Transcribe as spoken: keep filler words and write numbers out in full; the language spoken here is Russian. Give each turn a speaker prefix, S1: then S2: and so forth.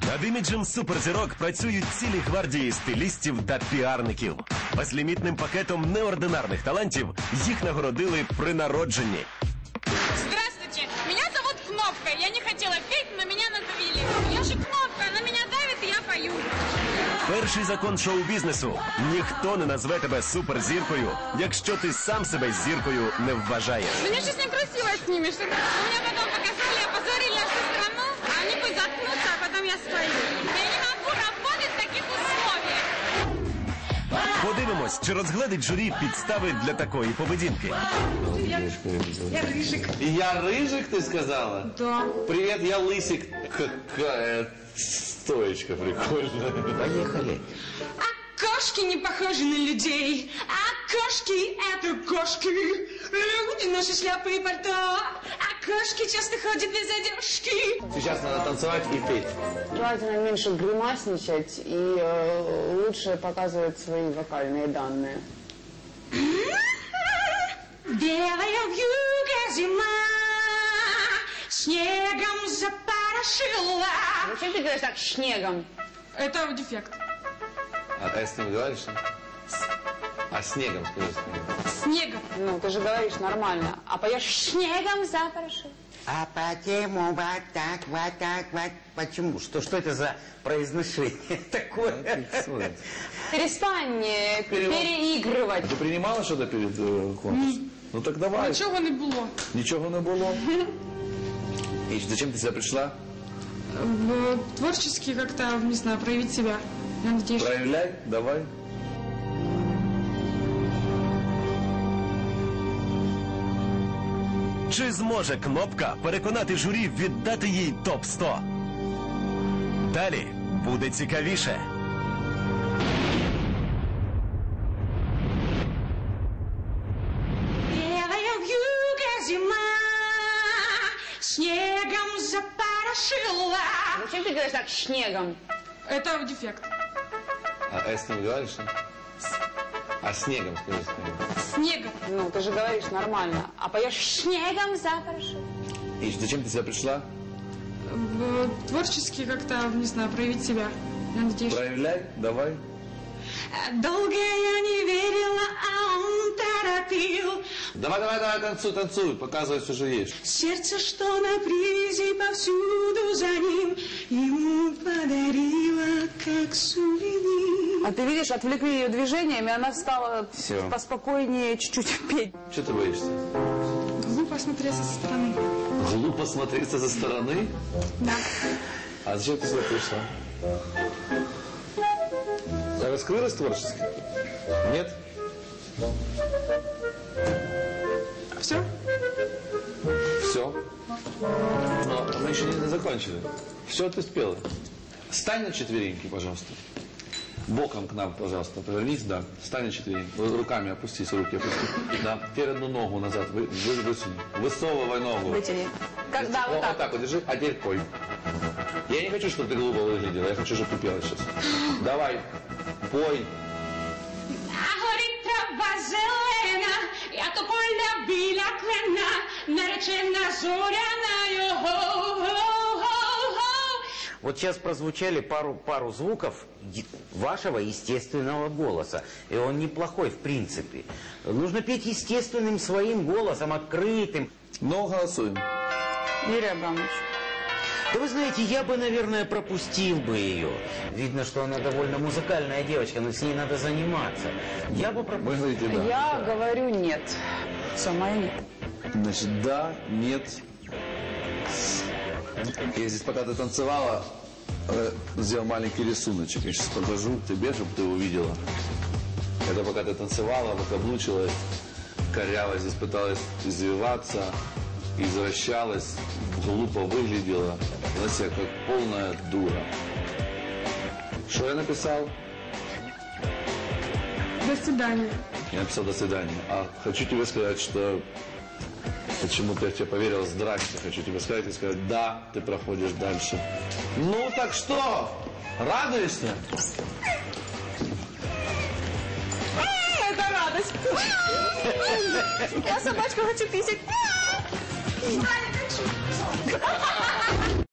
S1: Над іміджем суперзірок працюють цілі гвардії стилістів та піарників. Безлімітним пакетом неординарних талантів їх нагородили при народженні.
S2: Здравствуйте, меня зовут Кнопка. Я не хотела петь, но меня надавили. Я же Кнопка, она меня давит, и я пою.
S1: Перший закон шоу-бізнесу – ніхто не назве тебе суперзіркою, якщо ти сам себе зіркою не вважаєш.
S2: Мне сейчас некрасиво с ними, что меня потом показали, опозорили всю страну, а они пусть заткнутся, а потом я спою. Я не могу работать в таких условиях.
S1: Подивимось, чи розгледить журі підстави для такої поведінки.
S3: Я, я Рыжик.
S4: Я Рыжик, ты сказала?
S3: Да.
S4: Привет, я Лысик. Какая стоечка прикольная.
S1: Поехали.
S3: А кошки не похожи на людей. А кошки — это кошки. Люди носят шляпы и пальто. А кошки часто ходят без одежки.
S4: Сейчас надо танцевать и петь.
S5: Желательно меньше гримасничать и э, лучше показывать свои вокальные данные.
S3: Белая вьюга зима снегом запорошила.
S5: Зачем ты говоришь так снегом?
S2: Это дефект.
S4: А ты с ним говоришь? А снегом скажи.
S2: Снегом.
S5: Ну, ты же говоришь нормально. А поешь снегом запорошил.
S6: А почему вот так, вот так, вот? Почему? Что, что это за произношение такое?
S5: Перестань э,
S4: Перевод.
S5: переигрывать.
S4: Ты принимала что-то перед э, конкурсом? Ну так давай.
S2: Ничего не было.
S4: Ничего не было. И зачем ты сюда пришла?
S2: В- Творчески как-то, не знаю, проявить себя. Я надеюсь, что...
S4: Проявляй, давай.
S1: Чи зможе Кнопка переконати журі віддати їй топ сто? Далі буде цікавіше.
S3: Белая вьюга зима снегом запорошила.
S5: Зачем ты говоришь так снегом?
S2: Это дефект.
S4: А с ним говоришь? А снегом скажи.
S2: Снегом.
S5: Ну, ты же говоришь нормально. А поешь снегом запорошил.
S4: И зачем ты сюда пришла?
S2: В- Творчески как-то, не знаю, проявить себя. Я надеюсь, что...
S4: Проявляй, давай.
S3: Долго я не верила, а он торопил.
S4: Давай, давай, давай, танцуй, танцуй, показывай, что же есть.
S3: Сердце, что на привязи повсюду за ним, ему подарила как сувенир.
S5: А ты видишь, отвлекли ее движениями, она стала
S4: Всё.
S5: поспокойнее чуть-чуть петь.
S4: Что ты боишься?
S2: Глупо смотреться со стороны.
S4: Глупо смотреться со стороны?
S2: Да.
S4: А зачем ты сюда пришла? Раскрылась творчески? Нет?
S2: Все?
S4: Все. Но мы еще не закончили. Все ты спела. Встань на четвереньки, пожалуйста. Боком к нам, пожалуйста, повернись, да. Встань на четвереньки. Вы руками опустись, руки опусти. Да. Теперь одну ногу назад вы, вы, высунь. Высовывай ногу.
S5: Вытяни. Как, да, вот
S4: Вот
S5: так.
S4: так вот держи, а теперь пой. Я не хочу, чтобы ты глупо выглядела, я хочу, чтобы ты пела сейчас. Давай, пой.
S3: А горить трава зелена, я то поля біля клена, наречена зоряною, го-го-го-го.
S6: Вот сейчас прозвучали пару, пару звуков е- вашего естественного голоса. И он неплохой в принципе. Нужно петь естественным своим голосом, открытым.
S4: Ну, голосуем.
S5: Юрий Абрамович.
S6: Да вы знаете, я бы, наверное, пропустил бы ее. Видно, что она довольно музыкальная девочка, но с ней надо заниматься. Я бы
S4: Вы
S6: пропустил.
S4: говорите да.
S5: Я говорю нет. Все, мое нет.
S4: Значит, да, нет. Я здесь, пока ты танцевала, э, сделал маленький рисуночек. Я сейчас покажу тебе, чтобы ты увидела. Это пока ты танцевала, выкаблучилась, коряво здесь пыталась извиваться, извращалась, глупо выглядела. Вела себя как полная дура. Что я написал?
S2: До свидания.
S4: Я написал «до свидания». А хочу тебе сказать, что почему-то я в тебя поверил. Здрасте. Хочу тебе сказать и сказать, да, ты проходишь дальше. Ну так что? Радуешься?
S5: Это радость. Я собачку хочу писать.